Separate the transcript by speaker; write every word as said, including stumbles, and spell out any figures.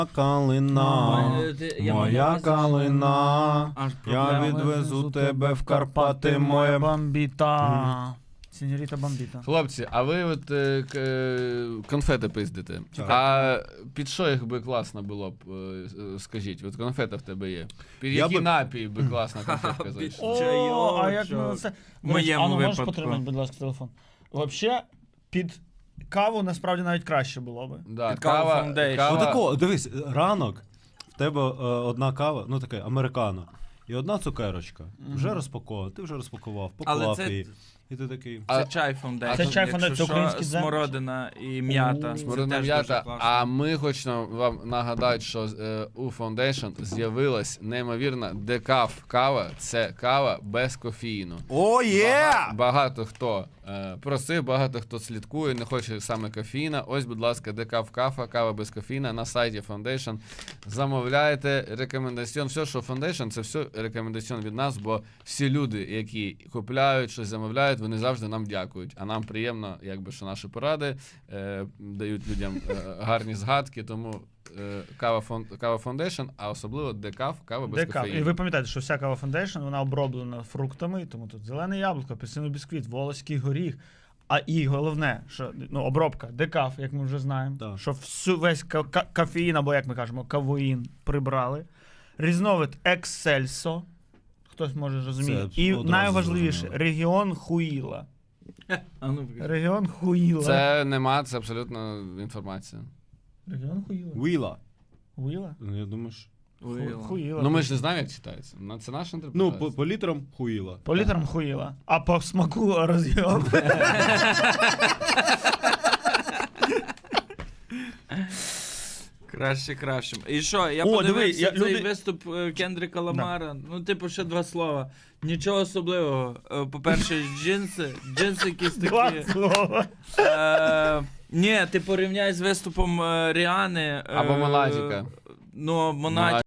Speaker 1: Калина,
Speaker 2: Ой, ти- я
Speaker 1: моя
Speaker 2: маю
Speaker 1: калина,
Speaker 2: Аж
Speaker 1: я
Speaker 2: проблема.
Speaker 1: відвезу тебе в Карпати, моя
Speaker 3: бомбіта. Сеньоріта бомбіта.
Speaker 4: Хлопці, а ви от е, к- е, конфети пиздите.
Speaker 1: Так.
Speaker 4: А під що їх би класно було б, е, е, скажіть? От конфета в тебе є. Під
Speaker 1: Я
Speaker 4: який
Speaker 1: би-
Speaker 4: напій би класна конфетка
Speaker 2: Під
Speaker 4: зайшла?
Speaker 3: О,
Speaker 2: Чайочок.
Speaker 3: а як ми це...
Speaker 2: В моєму
Speaker 3: а ну, можеш
Speaker 2: випадку.
Speaker 3: потримати, будь ласка, телефон? Взагалі, під каву насправді навіть краще було би.
Speaker 4: Да,
Speaker 2: Під каву
Speaker 4: кава,
Speaker 2: Foundation.
Speaker 4: кава,
Speaker 1: Отако, дивись, ранок, в тебе е, одна кава, ну таке, американо, і одна цукерочка. Вже розпакована, ти вже розпакував,
Speaker 2: Але
Speaker 1: поклав
Speaker 2: це-
Speaker 1: її. І ти такий.
Speaker 4: А-
Speaker 2: Це чай фондейшн.
Speaker 3: Це чай
Speaker 2: Якщо
Speaker 3: Foundation, це
Speaker 2: що,
Speaker 3: український дзен.
Speaker 2: смородина і м'ята.
Speaker 3: О.
Speaker 2: Це
Speaker 4: Смородина
Speaker 2: теж
Speaker 4: м'ята.
Speaker 2: дуже класно.
Speaker 4: А ми хочемо вам нагадати, що е, у Foundation з'явилась неймовірна декаф кава. Це кава без кофеїну.
Speaker 1: О, є!
Speaker 4: Бага- Багато хто е, просив, багато хто слідкує, не хоче саме кофеїна. Ось, будь ласка, декаф кафа, кава без кофеїна на сайті Foundation. Замовляйте, рекомендаціон. Все, що Foundation, це все рекомендаціон від нас, бо всі люди, які купляють, щось замовляють, вони завжди нам дякують. А нам приємно, якби, що наші поради е, дають людям е, гарні згадки, тому е, кава, фон, кава Foundation, а особливо декаф, кава без
Speaker 3: Декаф. І
Speaker 4: кофеїну.
Speaker 3: ви пам'ятаєте, що вся кава Foundation, вона оброблена фруктами, тому тут зелене яблуко, апельсиновий бісквіт, волоський горіх. А і головне, що ну, обробка, декаф, як ми вже знаємо,
Speaker 1: Так.
Speaker 3: що всю, весь ка- ка- кофеїн, або як ми кажемо, кавоїн прибрали. Різновид Ексельсо, хтось може розуміти.
Speaker 1: Це
Speaker 3: І
Speaker 1: одразу
Speaker 3: найважливіше,
Speaker 1: зрозуміло.
Speaker 3: регіон Хуїла.
Speaker 2: А ну, покажи.
Speaker 3: Регіон Хуїла.
Speaker 4: Це нема, це абсолютно інформація.
Speaker 3: Регіон Хуїла.
Speaker 1: Віла.
Speaker 3: Хуїла?
Speaker 1: Ну, я думаю, що...
Speaker 2: Хуїла.
Speaker 3: Хуїла.
Speaker 4: Ну ми ж не знаємо, як читається. Ну, це наша
Speaker 1: Ну,
Speaker 4: інтерпретація.
Speaker 1: по, по літрам хуїла.
Speaker 3: По літрам Хуїла. А по смаку роз'єм.
Speaker 2: Краще, краще. І що, я
Speaker 3: О, диви,
Speaker 2: подивився
Speaker 3: я-
Speaker 2: цей
Speaker 3: люди-
Speaker 2: виступ е, Кендрика Ламара. Ну, типу, ще два слова. Нічого особливого. Е, По-перше, джинси. Джинси якісь
Speaker 3: Два
Speaker 2: такі.
Speaker 3: слова.
Speaker 2: Е, ні, ти порівняй з виступом е, Ріани. е,
Speaker 4: Або Монатіка.
Speaker 2: Ну, Монатіка.